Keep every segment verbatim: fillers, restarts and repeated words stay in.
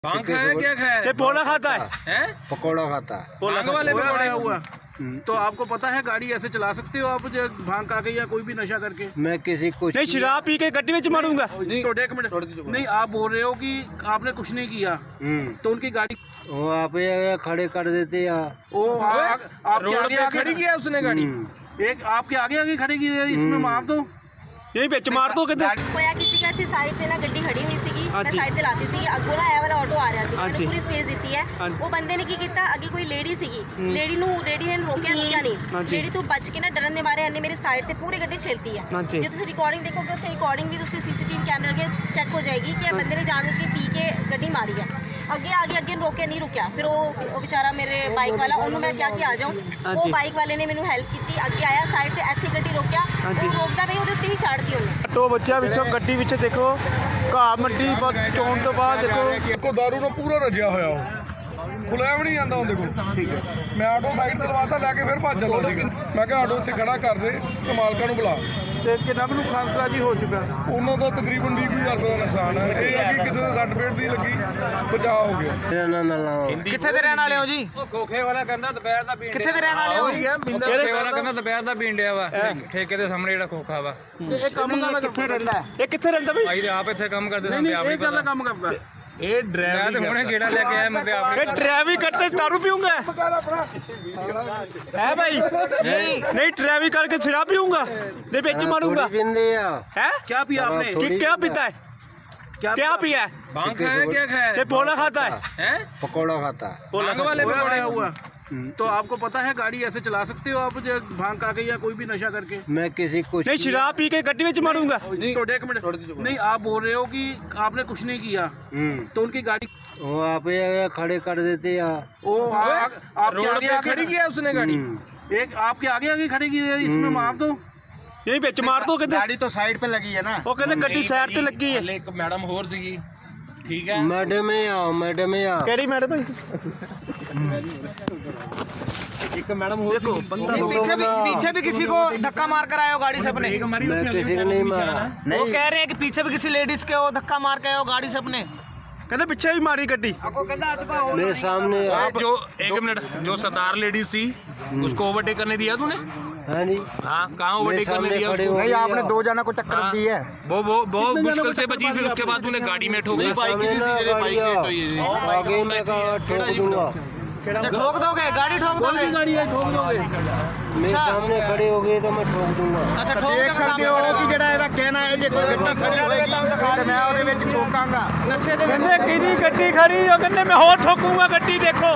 भांग खाया क्या खाया? ये पोला खाता है, हैं? पकौड़ा खाता है। भांग वाले पकौड़े हुआ। तो आपको पता है गाड़ी ऐसे चला सकते हो आप जो भांग खा के या कोई भी नशा करके? मैं किसी को नहीं शराब पी के गड्डी में मारूंगा। तो एक मिनट नहीं, आप बोल रहे हो कि आपने कुछ नहीं किया तो उनकी गाड़ी वो आप ये खड़े कर देते या ओ आ- आ- आपके रोड आगे पे आगे खड़ी किया उसने गाड़ी। एक आपके आगे आगे खड़ी की है, इसमें मार दो। यही बिच मार दो किधर ਹੋਇਆ ਕਿਸੇ ਦਾ ਇੱਥੇ ਸਾਈਡ ਤੇ ਨਾ ਗੱਡੀ ਖੜੀ ਹੋਈ ਸੀਗੀ, ਮੈਂ ਹਾਂਜੀ। ਸਾਈਡ ਤੇ ਲਾਤੀ ਸੀ, ਅੱਗੋਂ ਨਾ ਇਹ ਵਾਲਾ ਆਟੋ ਆ ਰਿਹਾ ਸੀ, ਹਾਂਜੀ। ਮੈਨੂੰ ਪੂਰੀ ਸਪੇਸ ਦਿੱਤੀ ਹੈ। ਹਾਂਜੀ। ਉਹ ਬੰਦੇ ਨੇ ਕੀ ਕੀਤਾ, ਅੱਗੇ ਕੋਈ ਲੇਡੀ ਸੀਗੀ, ਲੇਡੀ ਨੂੰ ਲੇਡੀ ਨੇ ਰੋਕਿਆ ਰੋਕਿਆ ਨਹੀਂ, ਹਾਂਜੀ। ਲੇਡੀ ਤੋਂ ਬਚ ਕੇ ਨਾ ਡਰਨ ਦੇ ਮਾਰੇ ਇਹਨੇ ਮੇਰੀ ਸਾਈਡ ਤੇ ਪੂਰੀ ਗੱਡੀ ਛੇਲਤੀ ਹੈ। ਹਾਂਜੀ। ਜੇ ਤੁਸੀਂ ਰਿਕਾਰਡਿੰਗ ਦੇਖੋਗੇ ਉੱਥੇ ਰਿਕਾਰਡਿੰਗ ਵੀ ਤੁਸੀਂ ਸੀਸੀਟੀਵੀ ਕੈਮਰੇ ਅੱਗੇ ਚੈੱਕ ਹੋ ਜਾਏਗੀ ਕਿ ਇਹ ਬੰਦੇ ਨੇ ਜਾਣ ਬੁੱਝ ਕੇ ਪੀ ਕੇ ਗੱਡੀ ਮਾਰੀ ਹੈ। ਅੱਗੇ ਆ ਗਿਆ, ਅੱਗੇ ਰੋਕਿਆ ਨਹੀਂ ਰੁਕਿਆ, ਫਿਰ ਉਹ ਉਹ ਵਿਚਾਰਾ ਮੇਰੇ ਬਾਈਕ ਵਾਲਾ, ਉਹਨੂੰ ਮੈਂ ਕਿਹਾ ਕਿ ਆ ਜਾਓ, ਉਹ ਹਾਂਜੀ। ਬਾਈਕ ਵਾਲੇ ਨੇ ਮੈਨੂੰ ਹੈਲਪ ਕੀਤੀ, ਅੱਗੇ ਆਇਆ ਸਾਈਡ ਤੇ ਇੱਥੇ ਗੱਡੀ ਰੋਕਿਆ, ਹਾਂਜੀ। ਉਹ ਰੋਕਦਾ ਪਈ ਉਹਦੇ ਉੱਤੇ ਹੀ ਛੱਡਤੀ ਉਹਨੇ। ਆਟੋ ਬੱਚਿਆ ਵਿੱਚੋਂ ਗੱਡੀ ਵਿੱਚ ਦੇਖੋ ਘਾਹ ਮਿੱਟੀ ਚੋਣ ਤੋਂ ਬਾਅਦ ਦੇਖੋ ਕੋ ਦਾਰੂ ਨਾਲ ਪੂਰਾ ਰੱਜਿਆ ਹੋਇਆ ਉਹ ਖੁੱਲਿਆ ਵੀ ਨਹੀਂ ਜਾਂਦਾ ਉਹਦੇ ਕੋਲ। ਠੀਕ ਹੈ, ਮੈਂ ਆਟੋ ਸਾਈਡ ਤੇ ਲਵਾਤਾ, ਲੈ ਕੇ ਫਿਰ ਭੱਜ ਚੱਲਾ ਸੀ। ਮੈਂ ਕਿਹਾ ਆਟੋ ਇੱਥੇ ਖੜਾ ਕਰ ਦੇ ਤੇ ਮਾਲਕਾਂ ਨੂੰ ਬੁਲਾ। ਤੇ ਕਿੰਨਾ ਕੁ ਨੁਕਸਾਨ ਸਰਾਜੀ ਹੋ ਚੁੱਕਾ? ਉਹਨਾਂ ਦਾ ਤਕਰੀਬਨ ਵੀਹ ਹਜ਼ਾਰ ਰੁਪਏ ਦਾ ਨੁਕਸਾਨ ਹੈ। ਇਹ ਹੈ ਕਿ ਕਿਸੇ ਦੇ ਸੱਟ ਫੇਟ ਦੀ ਲੱਗੀ, ਬਚਾਅ ਹੋ ਗਿਆ। मेरा नाम लाओ। ਕਿੱਥੇ ਦੇ ਰਹਿਣ ਵਾਲੇ ਹੋ ਜੀ? ਖੋਖੇ ਵਾਲਾ ਕਹਿੰਦਾ ਦੁਪਹਿਰ ਦਾ ਪੀਣ ਕਿੱਥੇ ਦੇ ਰਹਿਣ ਵਾਲੇ ਹੋ? ਖੋਖੇ ਵਾਲਾ ਕਹਿੰਦਾ ਦੁਪਹਿਰ ਦਾ ਪੀਣ ਡਿਆ ਵਾ ਠੇਕੇ ਦੇ ਸਾਹਮਣੇ ਜਿਹੜਾ ਖੋਖਾ ਵਾ। ਇਹ ਕੰਮ ਕਰਦਾ ਕਿੱਥੇ ਰਹਿੰਦਾ ਹੈ? ਇਹ ਕਿੱਥੇ ਰਹਿੰਦਾ ਬਈ? ਭਾਈ ਤੇ ਆਪ ਇੱਥੇ ਕੰਮ ਕਰਦੇ ਨਹੀਂ ਸਾਂ, ਆਪ ਨਹੀਂ, ਹੀ ਇਹ ਗੱਲ ਦਾ ਪਤਾ। ਕੰਮ ਕਰਦਾ। ਇਹ ਮੈਂ ਤੇ ਹੁਣੇ ਗੇੜਾ ਲੈ ਕੇ ਆਇਆ, ਮੈਂ ਤੇ ਆਪ ਇਹ ਡਰਾਈਵਿੰਗ करते दारू पीऊंगा है भाई? नहीं नहीं ड्राइविंग करके शराब पीऊंगा, नहीं बिच मारूंगा। थोड़ी पींदे या है क्या पिया आपने? कि क्या पीता है, क्या पिया है? भांग खाया क्या खाया? ये पोला खाता है, हैं? पकौड़ा खाता है। भांग वाले हुआ पकौड़े हुआ। तो आपको पता है गाड़ी ऐसे चला सकते हो आप जो भांग खा के या कोई भी नशा करके? मैं किसी को नहीं शराब पी के गड्डी में मारूंगा। तो एक मिनट नहीं, आप बोल रहे हो कि आपने कुछ नहीं किया तो उनकी गाड़ी वो आप ये खड़े कर देते या ओ आ- आ- आपके रोड आगे पे आगे खड़ी किया उसने गाड़ी। एक आपके आगे आगे खड़ी की है, इसमें मार दो। यही बिच मार दो किधर। गाड़ी तो साइड पे लगी है ना। वो कहते गड्डी साइड ਤੇ ਲੱਗੀ ਹੈ। ਇੱਕ ਮੈਡਮ ਹੋਰ ਸੀਗੀ, ਠੀਕ ਹੈ। मैडम में आओ, मैडम में आओ। ਕਿਹੜੀ ਮੈਡਮ ਭਾਈ? ਇੱਕ ਮੈਡਮ ਹੋਰ देखो बंदा पीछे भी पीछे भी किसी को धक्का मार कर आए हो गाड़ी से अपने? मैं किसी को नहीं मारा। वो कह रहे हैं कि पीछे भी किसी लेडीज के वो धक्का मार के आए हो गाड़ी से अपने? ਕਹਿੰਦੇ ਪਿੱਛੇ ਵੀ ਮਾਰੀ ਗੱਡੀ। मेरे सामने आप जो एक मिनट जो सरदार लेडीज थी उसको ओवरटेक करने दिया तूने? हाँ जी, हाँ, कहाँ मेरे ओवरटेक करने सामने दिया खड़े उसको? हो गए आपने या- दो जना को टक्कर हाँ। दी है। वो वो बहुत मुश्किल से बची, फिर उसके बाद तूने गाड़ी में ठोक दी। मेरे सामने ना गाड़ी आ- आगे मैं कहा ठोक दूंगा। अच्छा ठोक दोगे, गाड़ी ठोक दोगे? गाड़ी है ठोक दोगे? मेरे सामने खड़े हो गए तो मैं ठोक दूंगा। अच्छा ठोक देख सकते हो कि ਜਿਹੜਾ ਇਹਦਾ ਕਹਿਣਾ ਹੈ ਜੇ ਕੋਈ ਗੱਡੀ ਖੜੀ ਹੋਵੇਗੀ ਤੇ ਮੈਂ ਉਹਦੇ ਵਿੱਚ ਠੋਕਾਂਗਾ। ਨਸ਼ੇ ਦੇ ਕਹਿੰਦੇ ਕਿਹਦੀ ਗੱਡੀ ਖੜੀ ਉਹ ਕਹਿੰਦੇ ਮੈਂ ਹੋਰ ਠੋਕੂਗਾ ਗੱਡੀ। ਦੇਖੋ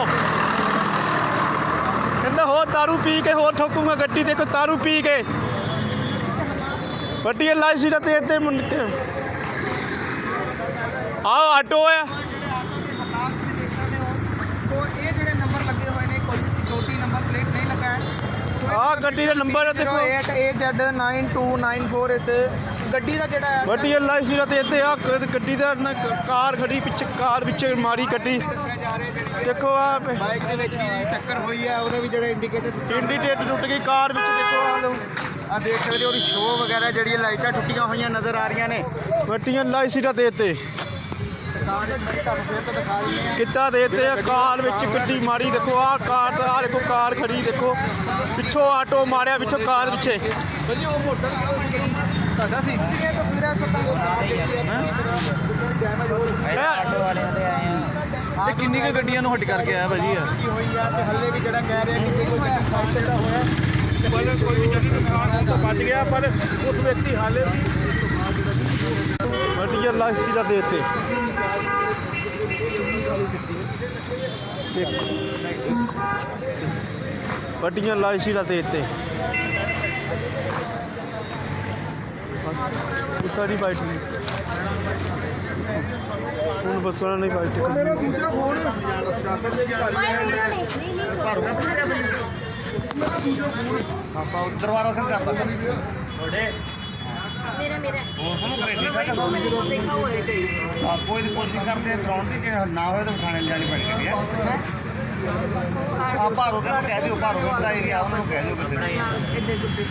ਕਹਿੰਦੇ ਹੋਰ दारू ਪੀ ਕੇ ਹੋਰ ਠੋਕੂਗਾ ਗੱਡੀ। ਦੇਖੋ दारू ਪੀ ਕੇ ਗੱਡੀ ਲਾਈ ਸੀ ਤੇ ਇੱਥੇ ਮੁੰਡ ਕੇ ਆਹ ਆਟੋ ਹੈ। ਸੋ ਇਹ ਜਿਹੜੇ ਨੰਬਰ ਲੱਗੇ ਹੋਏ ਨੇ ਕੋਈ ਸਿਕਿਉਰਿਟੀ ਨੰਬਰ ਪਲੇਟ ਨਹੀਂ ਲੱਗਾ ਹੈ। ਆਹ ਗੱਡੀ ਦਾ ਨੰਬਰ ਹੈ ਦੇਖੋ। eight A Z nine two nine four ਇਸ ਗੱਡੀ ਦਾ ਜਿਹੜਾ ਹੈ ਗੱਡੀ ਲਾਈ ਸੀ ਤੇ ਇੱਥੇ ਆ ਗੱਡੀ ਦਾ ਨਾ ਕਾਰ ਖੜੀ ਪਿੱਛੇ, ਕਾਰ ਵਿੱਚ ਮਾਰੀ ਗੱਡੀ। ਦੇਖੋ ਆ ਬਾਈਕ ਦੇ ਵਿੱਚ ਵੀ ਟੱਕਰ ਹੋਈ ਹੈ, ਉਹਦੇ ਵੀ ਜਿਹੜੇ ਇੰਡੀਕੇਟਰ ਇੰਡੀਕੇਟਰ ਟੁੱਟ ਗਈ ਕਾਰ ਵਿੱਚ। ਦੇਖੋ ਆ ਲਓ ਆ ਦੇਖ ਸਕਦੇ ਹੋ, ਉਹਦੀ ਸ਼ੋ ਵਗੈਰਾ ਜਿਹੜੀ ਲਾਈਟਾਂ ਟੁੱਟੀਆਂ ਹੋਈਆਂ ਨਜ਼ਰ ਆ ਰਹੀਆਂ ਨੇ। ਗੱਡੀਆਂ ਲਾਈ ਸੀ ਤੇ ਇੱਥੇ ਤੁਹਾਨੂੰ ਫਿਰ ਤੋਂ ਦਿਖਾ ਦਿੰਦੇ ਆ। ਕਿੱਦਾਂ ਦੇ ਤੇ ਆ ਕਾਰ ਵਿੱਚ ਗੱਡੀ ਮਾਰੀ। ਦੇਖੋ ਆਹ ਕਾਰ ਦਾ ਆਹ ਦੇਖੋ ਕਾਰ ਖੜੀ। ਦੇਖੋ ਪਿੱਛੋਂ ਆਟੋ ਮਾਰਿਆ, ਪਿੱਛੋਂ ਕਾਰ ਪਿੱਛੇ। ਤੁਹਾਡਾ ਸੀ ਇਹ ਤਸਵੀਰਾਂ ਤੁਹਾਨੂੰ ਇਹ ਕਿੰਨੀ ਕੁ ਗੱਡੀਆਂ ਨੂੰ ਹਟ ਕਰਕੇ ਆਇਆ ਭਾਜੀ? ਹੋਈ ਆ ਤੇ ਹੱਲੇ ਵੀ ਜਿਹੜਾ ਕਹਿ ਰਿਹਾ ਕਿ ਕੋਈ ਗੱਡੀ ਜਿਹੜਾ ਹੋਇਆ ਕੋਈ ਵੀ ਜੱਟ ਨੁਕਸਾਨ ਤਾਂ ਬਚ ਗਿਆ, ਪਰ ਉਸ ਵਿਅਕਤੀ ਹਾਲੇ ਵੀ ਗੱਡੀਆਂ ਲਾਈ ਸੀ ਤੇ ਇੱਥੇ ਗੱਡੀਆਂ ਲਾਈ ਸੀ ਤੇ ਇੱਥੇ ਸਾਰੀ ਬਾਈਟ ਨਹੀਂ ਹੁਣ ਬੱਸਾਂ ਨਹੀਂ ਬਾਈਟ ਕੋਈ ਵੀਡੀਓ ਨਹੀਂ ਨਹੀਂ ਨਹੀਂ ਦਰਬਾਰਾ ਸਿੰਘ ਕਰਦਾ ਮੇਰਾ ਮੇਰਾ ਹੋਰ ਸੁਣੋ ਕਰੇ ਠੀਕ ਠਾਕ ਦੇਖਾ ਹੋਇਆ ਆਪੋ ਇਹਦੀ ਕੋਸ਼ਿਸ਼ ਕਰਦੇ ਆ ਗਰਾਊਂਡ ਦੀ, ਜੇ ਨਾ ਹੋਏ ਤਾਂ ਥਾਣੇ ਜਾਣੀ ਪੈਣੀ ਹੈ। ਆ ਭਾਰੋ ਦਾ ਕਹਿ ਦਿਓ, ਭਾਰੋ ਦਾ ਏਰੀਆ ਉਹਨਾਂ ਨੂੰ ਕਹਿ ਦਿਓ ਕਿਤੇ ਇੱਧਰ ਗੁੱਡੀ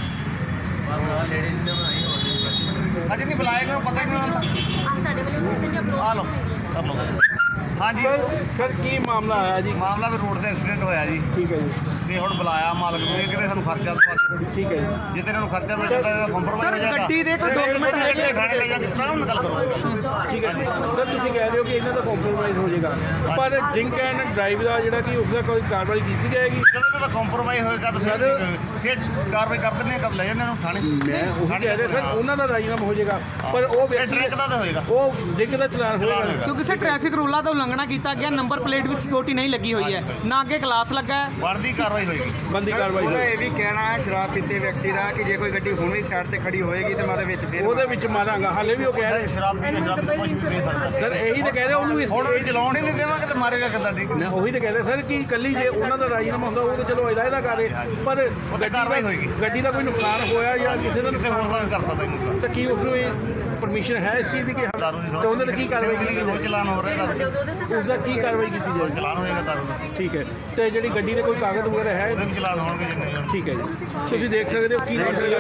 ਅਜੇ ਨਹੀਂ ਬੁਲਾਏਗਾ, ਪਤਾ ਹੀ ਨਹੀਂ ਹੁੰਦਾ। ਆ ਸਾਡੇ ਵਾਲੇ ਉੱਥੇ ਤੇ ਆ ਲਓ ਕਰ ਲਓ ਹਾਂਜੀ ਸਰ ਕੀ ਮਾਮਲਾ ਆਇਆ ਜੀ? ਮਾਮਲਾ ਵੀ ਰੋਡ ਤੇ ਐਕਸੀਡੈਂਟ ਹੋਇਆ ਜੀ ਠੀਕ ਹੈ ਜੀ, ਤੇ ਹੁਣ ਬੁਲਾਇਆ ਮਾਲਕ ਨੂੰ, ਇਹ ਕਿਤੇ ਸਾਨੂੰ ਖਰਚਾ ਦਵਾ। ਠੀਕ ਹੈ ਜੀ। ਜੇ ਤੇ ਇਹਨਾਂ ਨੂੰ ਖਰਚਾ ਮਿਲ ਜਾਂਦਾ ਤਾਂ ਕੰਪਰਮਾਈਜ਼ ਹੋ ਜਾਏਗਾ। ਗੱਡੀ ਦੇ ਕੋਈ document ਹੈਗੇ? ਥਾਣੇ ਲੈ ਜਾ ਕੇ ਆਰਾਮ ਨਾਲ ਗੱਲ ਕਰੋ। ਠੀਕ ਹੈ ਜੀ। ਸਰ ਤੁਸੀਂ ਕਹਿ ਰਹੇ ਹੋ ਕਿ ਇਹਨਾਂ ਦਾ ਕੰਪਰੋਮਾਈਜ਼ ਹੋ ਜਾਏਗਾ, ਪਰ ਡਰਿੰਕ ਐਂਡ ਡਰਾਈਵ ਦਾ ਜਿਹੜਾ ਕਿ ਉਸ ਦਾ ਕੋਈ ਕਾਰਵਾਈ ਕੀਤੀ ਜਾਏਗੀ? ਜਦੋਂ ਇਹਨਾਂ ਦਾ ਕੰਪਰਮਾਈਜ਼ ਹੋਏਗਾ ਤਾਂ ਸਰ ਫਿਰ ਕਾਰਵਾਈ ਕਰ ਦਿੰਦੇ ਆ, ਕਬ ਲੈ ਜਾਂਦੇ ਇਹਨਾਂ ਨੂੰ ਥਾਣੇ। ਮੈਂ ਉਹ ਕਹਿ ਰਿਹਾ ਸਰ ਉਹਨਾਂ ਦਾ ਰਾਜੀਨਾਮਾ ਹੋ ਜਾਏਗਾ, ਪਰ ਉਹ ਵਿਅਕਤੀ ਟਰੈਕ ਦਾ ਤਾਂ ਹੋਏਗਾ, ਉਹ ਡਰਿੰਕ ਦਾ ਚਲਾਨ ਹੋਏਗਾ। ਕਿਉਂਕਿ ਸਰ ਟ੍ਰੈਫਿਕ ਰੂਲਾਂ ਦਾ ਉਲੰਘਣਾ ਕੀਤਾ ਗਿਆ, ਨੰਬਰ ਪਲੇਟ ਵੀ ਸਿਕਿਉਰਿਟੀ ਨਹੀਂ ਲੱਗੀ ਹੋਈ ਹੈ, ਨਾ ਅੱਗੇ ਕਲਾਸ ਲੱਗਾ ਹੈ। ਬਣਦੀ ਕਾਰਵਾਈ ਹੋਏਗੀ। ਬੰਦੀ ਕਾਰਵਾਈ ਉਹਦਾ ਹੋਏਗੀ। ਇਹ ਵੀ ਕਹਿਣਾ ਹੈ ਸ਼ਰਾਬ ਪੀਤੇ ਵਿਅਕਤੀ ਦਾ ਕਿ ਜੇ ਕੋਈ ਗੱਡੀ ਹੁਣ ਵੀ ਸਾਈਡ ਤੇ ਖੜੀ ਹੋਏਗੀ ਤੇ ਮਾਰੇ ਵਿੱਚ ਫੇਰ ਉਹਦੇ ਵਿੱਚ ਮਾਰਾਂਗਾ, ਹਾਲੇ ਵੀ ਉਹ ਕਹਿ ਰਹੇ ਸ਼ਰਾਬ ਪੀ ਕੇ ਸ਼ਰਾਬ ਕੁਝ ਵੀ ਦੇ ਸਕਦਾ। ਸਰ ਇਹੀ ਤਾਂ ਕਹਿ ਰਹੇ ਉਹਨੂੰ ਵੀ ਹੁਣ ਇਹ ਚਲਾਉਣ ਹੀ ਨਹੀਂ ਦੇਵਾਂਗੇ ਤੇ ਮਾਰੇਗਾ ਕਿੱਦਾਂ? ਠੀਕ ਮੈਂ ਉਹੀ ਤਾਂ ਕਹਿ ਰਿਹਾ ਸਰ ਕਿ ਇਕੱਲੀ ਜੇ ਉਹਨਾਂ ਦਾ ਰਾਜੀਨਾਮਾ ਹੁੰਦਾ ਉਹ ਤਾਂ ਚਲੋ ਇਲਾਇਦਾ ਕਰੇ, ਪਰ ਗੱਡੀ ਕਾਰਵਾਈ ਦਾ ਹੋਏਗੀ। ਗੱਡੀ ਦਾ ਕੋਈ ਨੁਕਸਾਨ ਹੋਇਆ ਜਾਂ ਕਿਸੇ ਦਾ ਕਿਸੇ ਹੋਰ ਦਾ ਵੀ ਕਰ ਸਕਦਾ ਇਹਨੂੰ। ਤਾਂ ਕੀ ਉਸ ਨੂੰ ਪਰਮਿਸ਼ਨ ਹੈ ਇਸ ਚੀਜ਼ ਦੀ ਕਿ ਦਾਰੂ ਦੀ ਤੇ ਉਹਦੇ ਤੇ ਕੀ ਕਾਰਵਾਈ ਕੀਤੀ ਉਹ ਜਾਏ? ਚਲਾਨ ਹੋ ਰਿਹਾ ਦਾਰੂ ਉਸ ਦਾ ਕੀ ਕਾਰਵਾਈ ਕੀਤੀ ਦਾ ਜਾਏ? ਚਲਾਨ ਹੋਏਗਾ ਦਾਰੂ ਦਾ। ਠੀਕ ਹੈ, ਤੇ ਜਿਹੜੀ ਗੱਡੀ ਦੇ ਕੋਈ ਕਾਗਜ਼ ਵਗੈਰਾ ਹੈ? ਉਹਦੇ ਵੀ ਚਲਾਨ ਹੋਣਗੇ ਜਿੰਨੇ ਹੋਣ। ਠੀਕ ਹੈ ਜੀ, ਤੁਸੀਂ ਦੇਖ ਸਕਦੇ ਹੋ ਕੀ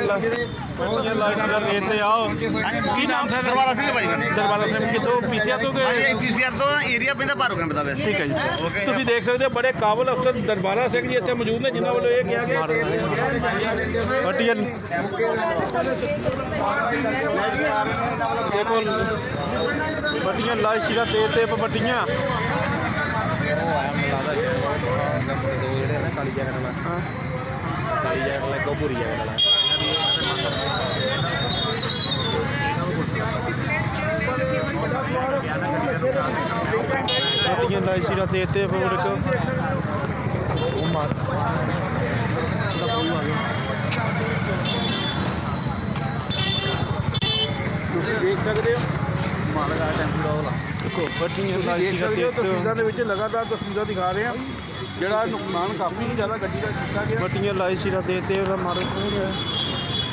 ਇੱਥੇ ਆਓ। ਕੀ ਨਾਮ ਸਰ? ਦਰਬਾਰਾ ਸਿੰਘ ਭਾਈ ਮੇਰੇ। ਦਰਬਾਰਾ ਸਿੰਘ ਕਿਤੋਂ ਪੀਸੀਆਰ ਤੋਂ ਹਾਂਜੀ ਗਏ? ਪੀਸੀਆਰ ਤੋਂ ਏਰੀਆ ਪੈਂਦਾ ਭਾਰੂ ਕੈਂਪ ਦਾ ਵੈਸੇ। ਠੀਕ ਹੈ ਜੀ, Okay। ਤੁਸੀਂ ਦੇਖ ਸਕਦੇ ਹੋ ਬੜੇ ਕਾਬਲ ਅਫਸਰ ਦਰਬਾਰਾ ਸਿੰਘ ਜੀ ਇੱਥੇ ਮੌਜੂਦ ਨੇ, ਜਿਨ੍ਹਾਂ ਵੱਲੋਂ ਇਹ ਕਿਹਾ ਗਿਆ ਵੱਟੀਆਂ ਦੇਖੋ ਵੱਟੀਆਂ ਲਾਸ਼ੀ ਦਾ ਤੇ ਤੇ ਵੱਟੀਆਂ ਵੱਟੀਆਂ ਲਾਸ਼ੀ ਦਾ ਤੇ ਤੇ ਫੋੜ ਇੱਕ ਉਹ ਮਾਰ ਤੁਸੀਂ ਦੇਖ ਸਕਦੇ ਹੋ ਮਾਲਗਾ ਟੈਂਪੂ ਦਾ ਵਾਲਾ ਦੇਖੋ ਵੱਟੀਆਂ ਦੇਖ ਲਾਸ਼ੀ ਦਾ ਸਕਦੇ ਤੇ ਹੋ ਤੇ ਤਸਵੀਰਾਂ ਦੇ ਵਿੱਚ ਲਗਾਤਾਰ ਤਸਵੀਰਾਂ ਦਿਖਾ ਰਹੇ ਹਾਂ, ਜਿਹੜਾ ਨੁਕਸਾਨ ਕਾਫੀ ਜ਼ਿਆਦਾ ਗੱਡੀ ਦਾ ਕੀਤਾ ਗਿਆ। ਵੱਟੀਆਂ ਲਾਸ਼ੀ ਦਾ ਤੇ ਤੇ ਉਹਦਾ ਮਾਰ ਰਿਹਾ